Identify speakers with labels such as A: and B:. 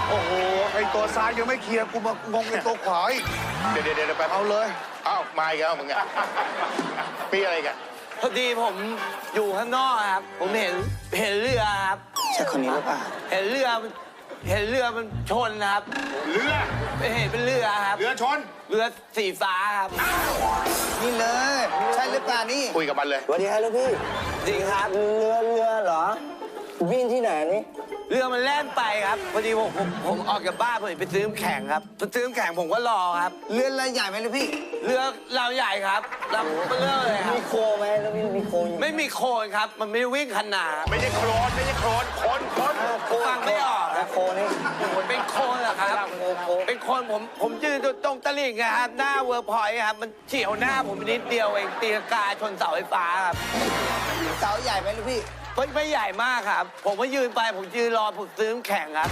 A: โอ้โหไอตัวซ้ายยังไม่เคลียร์กูมางงไอตัวขวาอีกเดี๋ยวไปเอาเลย
B: เอ้ามาอีกแล้วมึงอ่ะมีอะไรกัน
C: พอดีผมอยู่ข้างนอกครับผมเห็นเรือครับ
D: ใช่คนนี้หรือเปล่า
C: เห็นเรือมันชนนะครับ
B: เรือ
C: เห็นเป็นเรือครับ
B: เรือชน
C: เรือสีฟ้าครับ
D: นี่เลยใช่หรือเปล่านี่
B: คุยกับมันเลย
D: สวัสดีครับลูกพี่
C: จริงครับ
D: เรือเหรอวิ่งที่ไหนนี่
C: เรือมันแล่นไปครับพอดีผมออกจากบ้านผมไปซื้อน้ำแข็งครับซื้อน้ำแข็งผมก็รอครับ
D: เรือใหญ่ไหมลูกพี่
C: เรือเราใหญ่ครับลำเบลอเลยครับ
D: มีโคไหมแล้วมีโค
C: ไม่มีโคลนครับมันไม่วิ่งขนาด
B: ไม่ใช่โคลนคน
C: ฟังไม่ออก
D: โคนี่
C: เป็นโคลนเหรอครับเป็นโคลนผมยืนตรงตลิ่งครับหน้าเวิร์กพอยต์ครับมันเฉี่ยวหน้าผมนิดเดียวเองตีลังกาชนเสาไฟฟ้าครับ
D: เสาใหญ่ไหมลูกพี่
C: ไม่ใหญ่มากครับผมก็ยืนไปผมยืนรอผมซื้อน้ำแข็งครับ